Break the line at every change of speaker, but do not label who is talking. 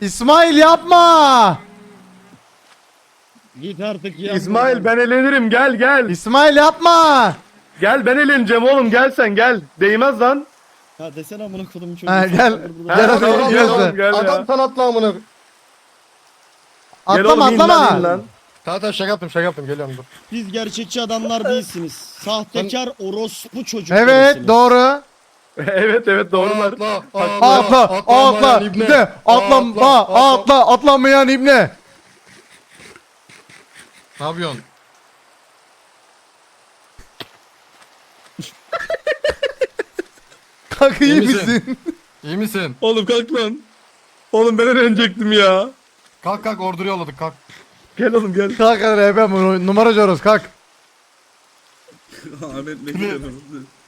İsmail yapma.
Git artık ya.
İsmail ben elenirim, gel gel.
İsmail yapma.
Gel ben eleneceğim oğlum, gel sen gel. Değmez lan.
Ha desene amına kodumun çocuğu.
Ha, gel.
Ha,
Gel hadi
tamam,
oğlum,
gel
gel
oğlum,
sen.
gel
Adam
ya.
sana atla amına.
Gel
Atlama
oğlum, in lan,
atlama.
in lan.
Tamam şaka yaptım geliyorum dur.
Siz gerçekçi adamlar değilsiniz. Sahtekar orospu çocuklarısınız.
Evet doğru.
Evet evet doğrular.
Atla ibne. Atlamayan ibne.
Ne yapıyorsun?
Kanka iyi
İyi misin?
misin?
İyi misin?
Oğlum kalk lan. Oğlum ben elenecektim ya.
Kalk ordu yolladık kalk.
Gel oğlum gel.
Kalk hadi RP numaracı orası kalk.
Ahmet ne diyorsun?